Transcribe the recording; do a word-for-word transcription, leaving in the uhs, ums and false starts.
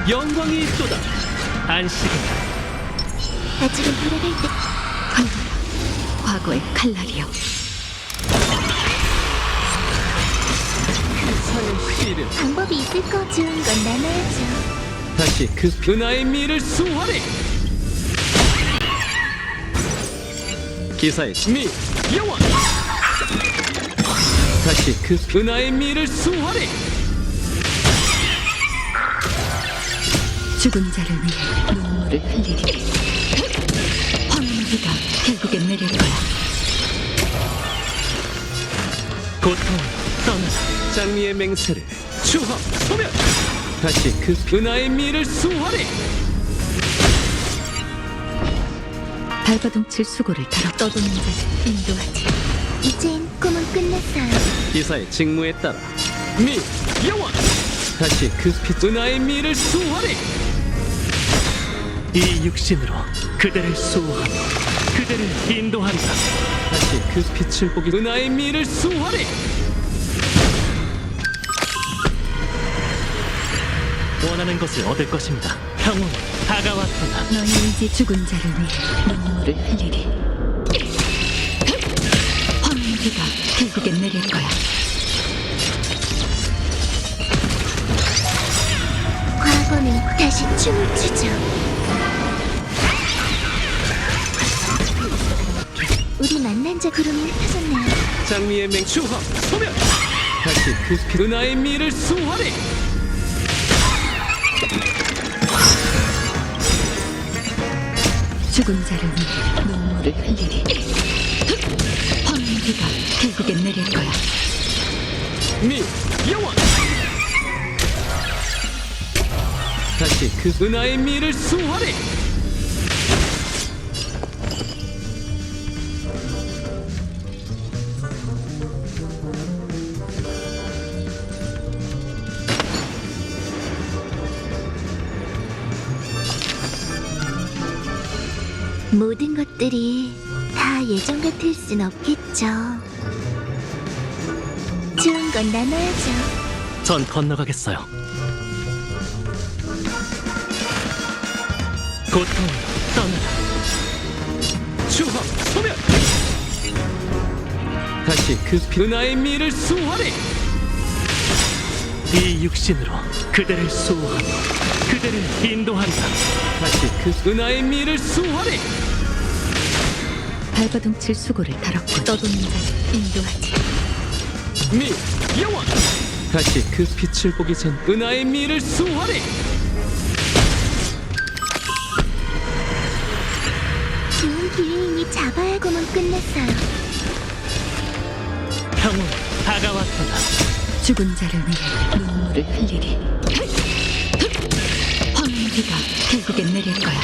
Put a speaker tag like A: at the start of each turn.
A: 영광이 있도다. 안식은
B: 아직은 돌아갈 때. 과거의 칼날이여.
A: 사의 씨를
B: 방법이 있을 거. 좋은 건 나눠야죠.
A: 다시 그 은하의 미를 수호하리. 기사의 미 여왕 다시 그 은하의 미를 수호하리.
B: 죽은 자를 위해 눈물을 흘리리. 황무지가 결국엔 내릴 거야.
A: 고통 떠나라. 장미의 맹세를 추합 소멸. 다시 그 은하의 미를 수호하리.
B: 발버둥칠 수고를 달아 떠도는 자를 인도하지. 이젠 꿈은 끝났어요.
A: 기사의 직무에 따라 미 여왕 다시 그 빛 은하의 미를 수호하리. 이 육신으로 그대를 수호하며 그대를 인도하리라. 다시 그 빛을 보기 은하의 미를 수호하리. 원하는 것을 얻을 것입니다. 평온 다가왔도다.
B: 너희 이제 죽은 자를 위해 눈물을 흘리리. 황무지가 결국엔 내릴 거야. 과거는 다시 춤을 추죠. 우리 만난 자 구름이 흩어졌네요.
A: 장미의 맹 추합 소멸. 다시 그 빛 은하의 미를 수호하리.
B: 죽은 자를 위해 눈물을 흘리리. 황무지가 결국엔 내릴 거야.
A: 미 여왕 다시 그 은하의 미를 수호하리.
B: 모든 것들이 다 예전 같을 순 없겠죠. 좋은 건 나눠야죠.
A: 전 건너가겠어요. 고통 떠나라. 추합 소멸. 다시 그 은하의 미를 수호하리. 이 육신으로 그대를 수호하며 그대를 인도한다. 다시 그 은하의 미를 수호하리.
B: 발버둥칠 수고를 다뤘고 떠도는 자를 인도하지.
A: 미 여왕 다시 그 빛을 보기 전 은하의 미를 수호하리.
B: 좋은 기회이니 잡아야고만 끝났어요.
A: 평온 다가왔도다.
B: 죽은 자를 위해 눈물을 흘리리. 황무지가 결국엔 내릴 거야.